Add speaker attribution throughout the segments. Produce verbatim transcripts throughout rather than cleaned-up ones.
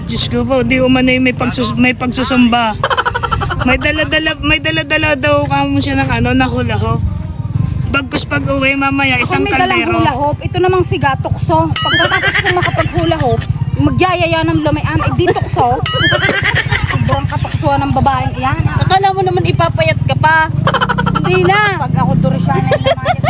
Speaker 1: Diyos ko po, di umano yung may, pagsus may pagsusumba. May dala-dala, may dala-dala daw kamo siya ng ano, na hula hoop. Bagkus pag uwi mamaya, isang
Speaker 2: Ako may dalang
Speaker 1: kaldero.
Speaker 2: hula hoop. Ito namang siga, tukso. Pagkatapos ko makapag-hula hoop, magyayaya ng lumian, eh di tukso. Sobrang katuksuan ng babaeng iyan.
Speaker 3: Akala mo naman ipapayat ka pa. Hindi na.
Speaker 2: Pag ako Dorisyana yung namayat.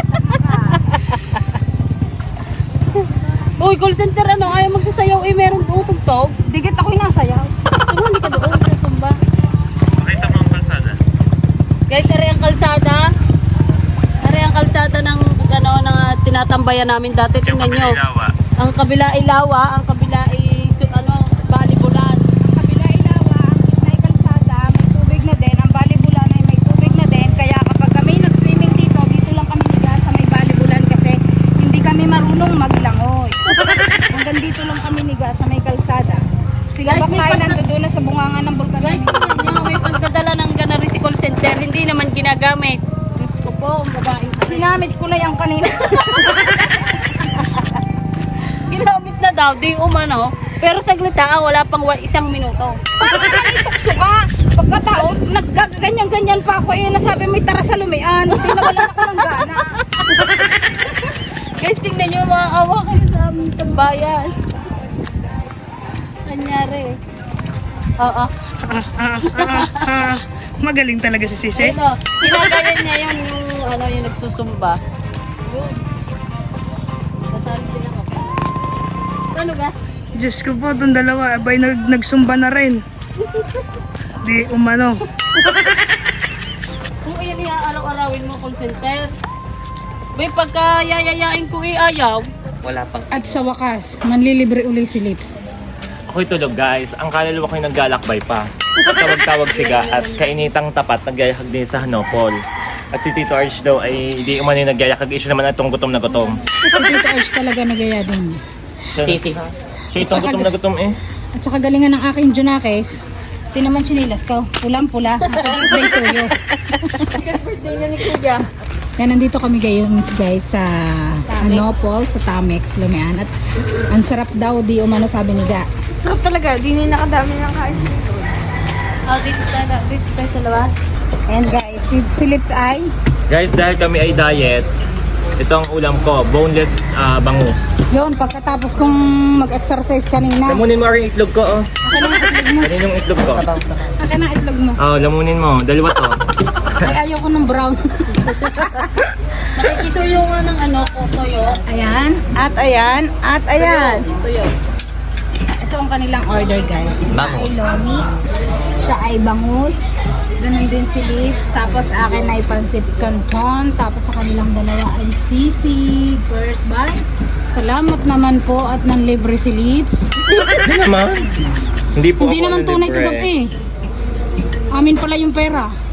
Speaker 3: Uy, call center ano, ayaw magsasayaw eh, meron tutugtog.
Speaker 2: Digit ako'y nasayaw.
Speaker 3: Pero hindi ka doon sa Sumba.
Speaker 4: Makita mo ang kalsada.
Speaker 3: Guys, ari ang kalsada. Ari ang kalsada ng ano, ng ah, tinatambayan namin dati.
Speaker 4: Yung
Speaker 3: Tingnan nyo.
Speaker 4: Ilawa.
Speaker 3: Ang kabila ay lawa, ang kabila ay su- ano, balibulan.
Speaker 2: Kabila ilawa, may kalsada, may tubig na din. Ang balibulan ay may tubig na din. Kaya kapag kami nag-swimming dito, dito lang kami niga sa may balibulan kasi hindi kami marunong maglangoy. Hanggang dito lang kami niga sa may kalsada. Sila
Speaker 3: Guys,
Speaker 2: ba
Speaker 3: may
Speaker 2: kayo
Speaker 3: pag-
Speaker 2: nandoon na sa bungangan ng bulkan?
Speaker 3: Guys, tingnan nyo, may pagdadala ng ganari si call center. Hindi naman ginagamit. Diyos ko po, ang babaeng kasi.
Speaker 2: Sinamit ko na yung kanina.
Speaker 3: Ginamit na daw, di umano. Pero saglit ah, wala pang wa- isang minuto.
Speaker 2: Paano ka naitukso ka? Pagkatao, naggaganyan-ganyan pa ako eh, nasabi may tara sa lumian. Hindi na wala ako ng gana.
Speaker 3: Guys, tingnan nyo, maawa kayo sa aming tambayan. Kanyari. Oo.
Speaker 1: Ah, ah, ah, ah. Magaling talaga si Sisi.
Speaker 3: Ano, ginagayan niya yung, yung, ano, yung nagsusumba. Yun. Nasali din ako. Ano ba?
Speaker 1: Diyos ko po, itong dalawa, abay nag nagsumba na rin. Di umano.
Speaker 3: Kung iyan iya araw-arawin mo call center, may pagka yayayain ko iayaw,
Speaker 4: Wala pang.
Speaker 2: At sa wakas, manlilibre uli si Lips.
Speaker 4: Ako'y tulog guys. Ang kaluluwa ko'y naglalakbay pa. Tawag-tawag siga at kainitang tapat nagyayakag din sa Hanopol. At si Tito Arch daw ay di umano yung nagyayakag. Issue naman itong gutom na gutom.
Speaker 2: Si Tito Arch talaga nagaya din.
Speaker 4: Sisi. Siya itong gutom na gutom eh.
Speaker 2: At sa kagalingan ng aking Junakes, tinaman chinilas ka, pulang-pula, birthday to you.
Speaker 3: birthday na ni Kuya.
Speaker 2: Kaya nandito kami ngayon guys sa Hanopol, sa Tamex, Lumian. At ang sarap daw, di umano sabi ni Ga.
Speaker 3: Sarap talaga, di na nakadami ng kain. Oh, dito tayo, dito tayo sa labas.
Speaker 2: And guys, si, si Lips ay
Speaker 4: Guys, dahil kami ay diet, ito ang ulam ko, boneless ah, bangus.
Speaker 2: yun, pagkatapos kong mag-exercise kanina.
Speaker 4: Lamunin mo rin itlog ko oh.
Speaker 2: Akin ang itlog mo.
Speaker 4: Kaninong itlog ko?
Speaker 2: Akin ang itlog mo.
Speaker 4: Oh, lamunin mo. Dalawa to.
Speaker 2: Ay, ayaw ko ng brown.
Speaker 3: Nakikisuyo nga ng ano, kotoyo.
Speaker 2: Ayan, at ayan, at ayan.
Speaker 3: Tuyo.
Speaker 2: Ito ang kanilang order guys. Siya
Speaker 4: Bangus.
Speaker 2: ay lomi, siya ay bangus, ganun din si Lips, tapos akin ay pansit canton, tapos sa kanilang dalawa ay sisig. First bite. Salamat naman po at nanlibre si Lips.
Speaker 4: Hindi naman. Hindi po
Speaker 2: Hindi
Speaker 4: ako
Speaker 2: naman tunay
Speaker 4: nalibre.
Speaker 2: kagabi. Amin pala yung pera.